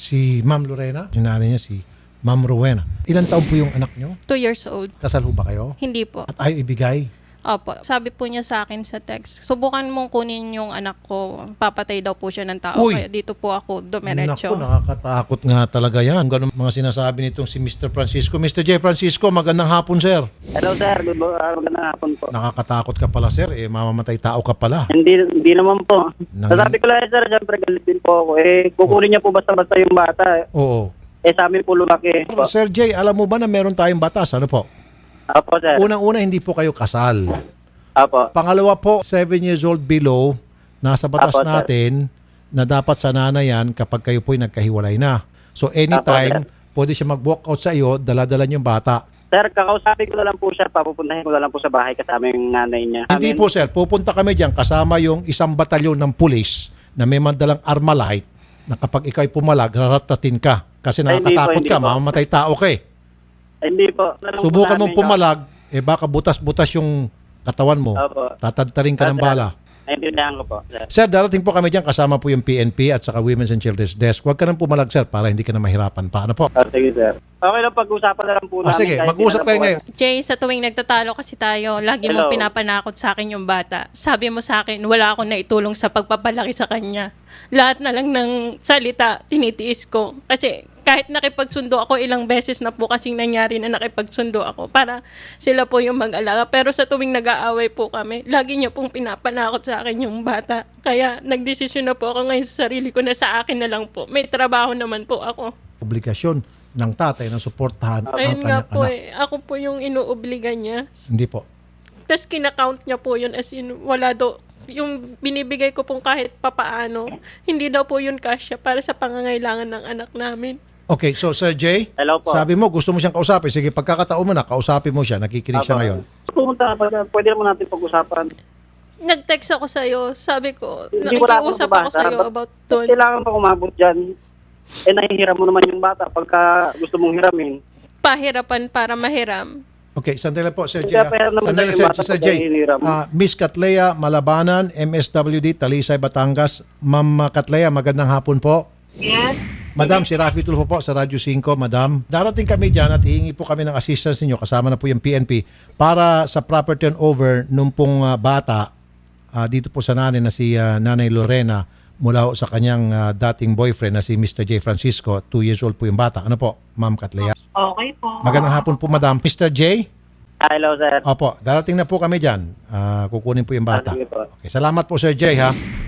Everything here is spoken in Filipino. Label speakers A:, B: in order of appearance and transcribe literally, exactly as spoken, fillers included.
A: si Ma'am Lorena, yung nanay niya si Ma'am Rowena. Ilan taon po yung anak nyo?
B: Two years old.
A: Kasal ho ba kayo?
B: Hindi po.
A: At ayaw ibigay?
B: Opo. Sabi po niya sa akin sa text, subukan mong kunin yung anak ko. Papatay daw po siya ng tao.
A: Uy!
B: Kaya dito po ako dumiretso.
A: Naku, nakakatakot nga talaga yan. Ganun mga sinasabi nitong si Mister Francisco. Mister J. Francisco, magandang hapon, sir.
C: Hello sir, good mo- uh, magandang hapon po.
A: Nakakatakot ka pala, sir. Eh, mamamatay tao ka pala.
C: Hindi hindi naman po.
A: Nang-
C: Sasabi ko lang sir, syempre galit din po ako. Eh, kukunin niya po basta-basta yung bata.
A: Oo.
C: Eh, sa amin po lumaki. Po.
A: Sir J, alam mo ba na meron tayong batas? Ano po?
C: Apo sir.
A: Unang-una, hindi po kayo kasal.
C: Apo.
A: Pangalawa po, seven years old below, nasa batas
C: Apo, sir.
A: natin na dapat sa nanay yan kapag kayo po'y nagkahiwalay na. So anytime,
C: Apo,
A: pwede siya mag-walk out sa iyo, dala-dala yung bata.
C: Sir, kakausapin ko na lang po siya, papupuntahin ko na lang po sa bahay kasama yung nanay niya.
A: Hindi
C: Amin.
A: po sir, pupunta kami dyan kasama yung isang batalyon ng pulis na may mandalang Armalite na kapag ikaw'y pumalag, raratatin ka. Kasi
C: Ay, hindi po,
A: nakakatakot
C: hindi
A: ka,
C: po.
A: mamamatay tao ka eh.
C: Eh, hindi po. Tanong po
A: Subukan
C: namin
A: mong pumalag, eh baka butas-butas yung katawan mo.
C: Opo.
A: Tatadtarin ka ng
C: Sir,
A: bala.
C: Naintindihan ko po, sir.
A: Sir, darating po kami dyan kasama po yung P N P at saka Women's and Children's Desk. Huwag ka nang pumalag sir para hindi ka na mahirapan pa. Ano po?
C: Oh, sige sir. Okay lang, pag-usapan na lang po
A: Ah,
C: namin.
A: sige,
C: kahit
A: mag-usap
C: di na
A: kayo
C: lang po-
A: ngayon.
B: Jay, sa tuwing nagtatalo kasi tayo, lagi
C: Hello.
B: mong pinapanakot sa akin yung bata. Sabi mo sa akin, wala akong naitulong sa pagpapalaki sa kanya. Lahat na lang ng salita, tinitiis ko. Kasi kahit nakipagsundo ako, ilang beses na po kasing nangyari na nakipagsundo ako para sila po yung mag-alaga. Pero sa tuwing nag-aaway po kami, lagi niya pong pinapanakot sa akin yung bata. Kaya nagdesisyon na po ako ngayon sa sarili ko na sa akin na lang po. May trabaho naman po ako.
A: Obligasyon ng tatay na suportahan ang
B: Ayun nga
A: kanyang
B: po
A: anak.
B: eh. Ako po yung inuobliga niya.
A: Hindi po.
B: Tapos kinakount niya po yun as in wala daw. Yung binibigay ko pong kahit papaano, hindi daw po yun kasya para sa pangangailangan ng anak namin.
A: Okay, so Sir Jay,
C: Hello po.
A: sabi mo gusto mo siyang kausapin. Sige, pagkakataon mo na, kausapin mo siya. Nakikinig siya
C: Apo.
A: ngayon.
C: Pumunta ka pa, pwede naman natin pag-usapan.
B: Nag-text ako sa'yo, sabi ko,
C: Hindi ko lang
B: nakikiusap
C: ako
B: ako sa'yo
C: Ba't-
B: about
C: ba't
B: doon.
C: kailangan pa umabot dyan? Eh, nahihiram mo naman yung bata pagka gusto mong hiramin.
B: Pahirapan para mahiram.
A: Okay, sandali po, Sir
C: Hindi,
A: Jay. ah.
C: pero naman
A: Sandali,
C: tayo
A: Sir,
C: bata
A: Sir
C: pag
A: Jay.
C: nahihirap.
A: Ah, Miss Catlea Malabanan, M S W D, Talisay, Batangas. Ma'am Catlea, magandang hapon po.
D: Yes.
A: Madam, si Rafi Tulfo po sa Radyo cinco, Madam. Darating kami dyan at hihingi po kami ng assistance ninyo, kasama na po yung P N P, para sa proper turnover nung pong ah, bata ah, dito po sa nanay na si ah, Nanay Lorena mula ho sa kanyang ah, dating boyfriend na si Mister J. Francisco. Two years old po yung bata. Ano po, Ma'am Catlea?
D: Okay po.
A: Magandang hapon po, Madam. Mister J?
C: Hello, sir.
A: Opo, darating na po kami dyan. Ah, kukunin po yung bata.
C: Ah, sige po.
A: Okay, salamat po, Sir J, ha?